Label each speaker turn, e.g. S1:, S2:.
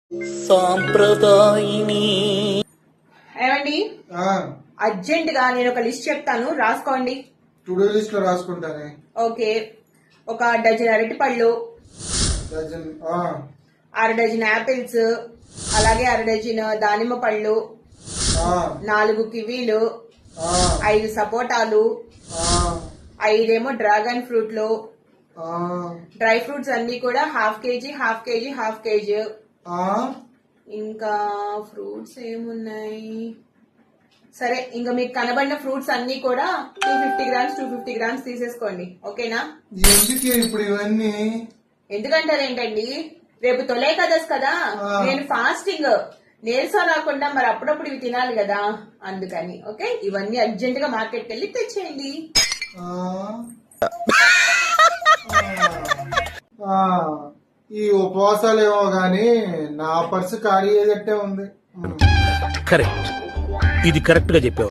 S1: సాంప్రదాయిని.
S2: ఏమండి అర్జెంట్ గా నేను ఒక లిస్ట్ చెప్తాను, రాసుకోండి.
S3: టు డూ లిస్ట్ లో రాసుకుంటానే.
S2: ఓకే, ఒక డజన్ అరటిపళ్ళు,
S3: డజన్
S2: 6 డజన్ యాపిల్స్, అలాగే 6 డజన్ దానిమ్మ పళ్ళు, 4 కివీలు, 5 సపోటాలు, 5 డ్రాగన్ ఫ్రూట్లు, డ్రై ఫ్రూట్స్ అన్ని కూడా హాఫ్ కేజీ. ఇంకా ఫ్రూట్స్ ఏమున్నాయి, సరే ఇంకా మీకు కనబడిన ఫ్రూట్స్ అన్ని కూడా 250 గ్రామ్స్ తీసేసుకోండి. ఓకేనా?
S3: ఎందుకు ఇప్పుడు ఇవన్నీ?
S2: ఎందుకంటారు ఏంటండి, రేపు తొలే కదస్ కదా, నేను ఫాస్టింగ్, నీరసం రాకుండా మరి అప్పుడప్పుడు ఇవి తినాలి కదా, అందుకని. ఓకే, ఇవన్నీ అర్జెంట్ గా మార్కెట్కి వెళ్ళి తెచ్చేయండి.
S3: ఈ ఉపవాసాలు ఏమో గాని నా పర్సు ఖాళీ అయ్యేటట్టే ఉంది.
S1: కరెక్ట్, ఇది కరెక్ట్ గా చెప్పావు.